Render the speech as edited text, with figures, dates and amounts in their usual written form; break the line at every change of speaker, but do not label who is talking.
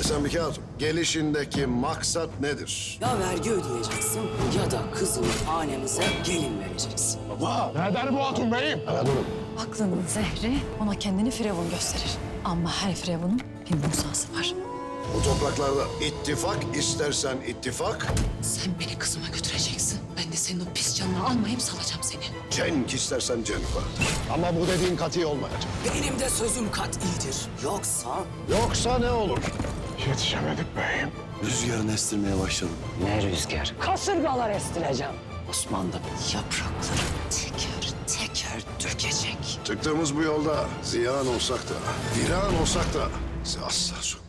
Sambike Hatun, gelişindeki maksat nedir?
Ya vergi ödeyeceksin ya da kızını hanemize gelin vereceksin.
Nereden bu hatun beyim?
Anadolu.
Aklının zehri ona kendini firavun gösterir. Ama her firavunun bir Musa'sı var.
Bu topraklarda ittifak istersen ittifak,
Sen beni kızıma götüreceksin. Ben de senin o pis canını almayayım, salacağım seni.
cenk istersen cenk vardır.
Ama bu dediğin kati olmayacak.
Benim de sözüm kat'idir. Yoksa
Yoksa ne olur?
Yetişemedik beyim.
Rüzgarını estirmeye başladım.
ne rüzgar? Kasırgalar estireceğim. Osman da yaprakları teker teker dökecek.
Çıktığımız bu yolda ziyan olsak da, viran olsak da bizi asla sokmaz.